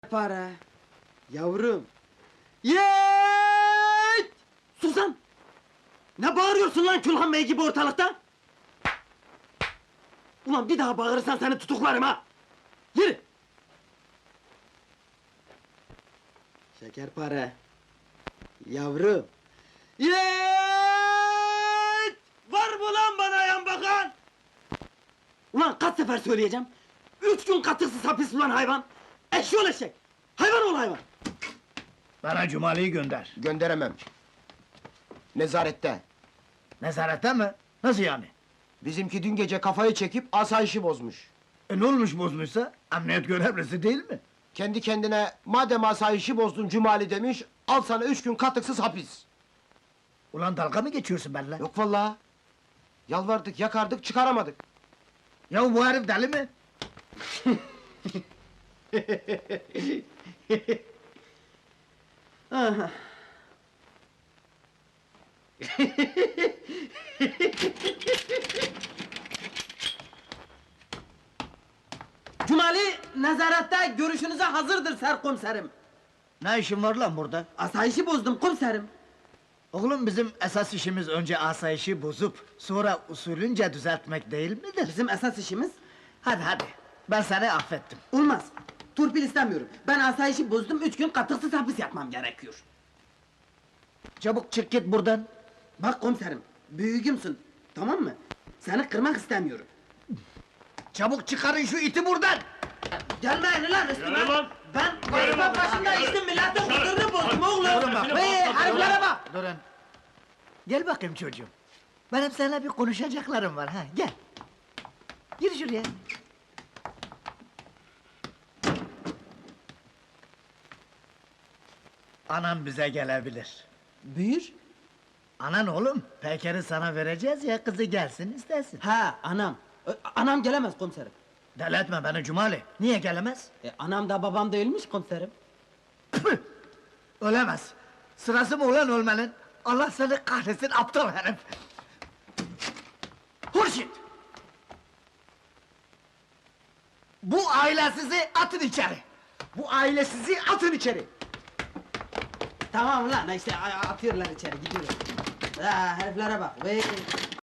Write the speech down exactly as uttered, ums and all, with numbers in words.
Para. Yavrum. Yeeeet! Suzan! Ne bağırıyorsun lan Külhan Bey gibi ortalıkta? Ulan bir daha bağırırsan seni tutuklarım ha! Yürü! Şekerpare. Yavrum. Yeeeet! Var mı lan bana yan bakan? Ulan kaç sefer söyleyeceğim? Üç gün katıksız hapis ulan hayvan! Eşşoğlu eşek! Hayvan ol hayvan! Bana Cumali'yi gönder. Gönderemem. Nezarette. Nezarette mi? Nasıl yani? Bizimki dün gece kafayı çekip asayişi bozmuş. E ne olmuş bozmuşsa? Emniyet görevlisi değil mi? Kendi kendine madem asayişi bozdun Cumali demiş, al sana üç gün katıksız hapis. Ulan dalga mı geçiyorsun benimle? Yok vallahi. Yalvardık, yakardık, çıkaramadık. Ya bu herif deli mi? Aha. Cumali, nezarette görüşünüze hazırdır serkomiserim. Ne işin var lan burada? Asayişi bozdum komiserim. Oğlum bizim esas işimiz önce asayişi bozup sonra usulünce düzeltmek değil midir? Bizim esas işimiz Hadi hadi, ben seni affettim. olmaz. Turpil istemiyorum. Ben asayişi bozdum, üç gün katıksız hapis yatmam gerekiyor. Çabuk çık git buradan. Bak komiserim, büyüğümsün, tamam mı? Seni kırmak istemiyorum. Çabuk çıkarın şu iti buradan! Gelmeyin lan üstüme! Yürü lan! Ben vazife başında içtim, milletin huzurunu bozdum oğlum! Durun bak. Hey, heriflere bak! Durun. Gel bakayım çocuğum. Benim seninle bir konuşacaklarım var ha, gel. Gir şuraya. Anam bize gelebilir. Buyur. Anan oğlum, Peker'i sana vereceğiz ya, kızı gelsin istesin. Ha, anam. Ö, Anam gelemez komiserim. Deli etme beni Cumali, niye gelemez? E, anam da babam değilmiş komiserim. Püh! Ölemez. Sırası mı ulan ölmenin? Allah seni kahretsin aptal herif! Hurşit! Bu ailesizi atın içeri! Bu ailesizi atın içeri! Tamam lan, işte a- atıyorlar içeri, gidiyorlar. Ha, heriflere bak, vey!